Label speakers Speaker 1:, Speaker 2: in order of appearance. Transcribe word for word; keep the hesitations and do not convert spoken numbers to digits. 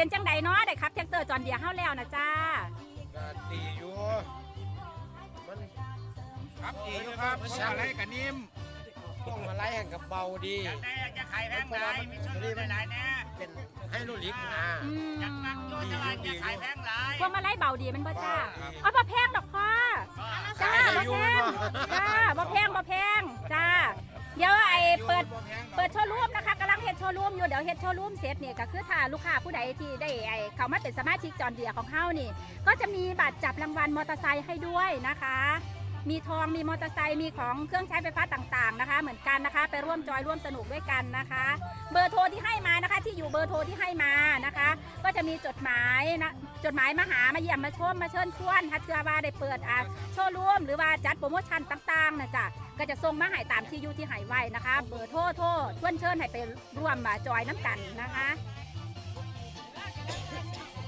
Speaker 1: เป็นจังใดเนาะได้ครับแท็กเตอร์จอนเดียเฮาแล้วนะจ้า
Speaker 2: ก็ดีอยู่มัน
Speaker 3: ครับดีครับพวงมาลัยกับนิ่ม
Speaker 2: พวงมาลัยแห่งกับเบาดี
Speaker 3: อยากได้อยากจะขายแพงหลายมีชุดหลายๆแน่
Speaker 2: เป็นให้ลูกลิกนะ
Speaker 3: อยากมักโยนตลาดอยากขายแพงหลาย
Speaker 1: พวงมาลัยเบาดีมันบ่จ้าอ๋อบ่แพงดอกพ่อจ้าบ่แพงจ้าบ่แพงบ่แพงจ้าเดี๋ยวไอ้เปิดเปิดโชว์รูมนะคะกำลังเฮ็ดโชว์รูมอยู่เดี๋ยวเฮ็ดโชว์รูมเสร็จเนี่ยก็คือถ้าลูกค้าผู้ใดที่ได้ไอ้เข้ามาเป็นสมาชิกจอนเดียของเฮานี่ก็จะมีบัตรจับรางวัลมอเตอร์ไซค์ให้ด้วยนะคะมีทองมีมอเตอร์ไซค์มีของเครื่องใช้ไฟฟ้าต่างๆนะคะเหมือนกันนะคะไปร่วมจอยร่วมสนุกด้วยกันนะคะเบอร์โทรที่ให้มานะคะที่อยู่เบอร์โทรที่ให้มานะคะก็จะมีจดหมายนะจดหมายมาหามาเยี่ยมมาชมมาเชิญชวนถ้าเชื่อว่าได้เปิดอ่ะโชว์รูมหรือว่าจัดโปรโมชั่นต่างๆนะจ๊ะก็จะส่งมาให้ตามที่อยู่ที่ให้ไว้นะคะเบอร์โทรโทรชวนเชิญให้ไปร่วมมาจอยน้ำกันนะคะ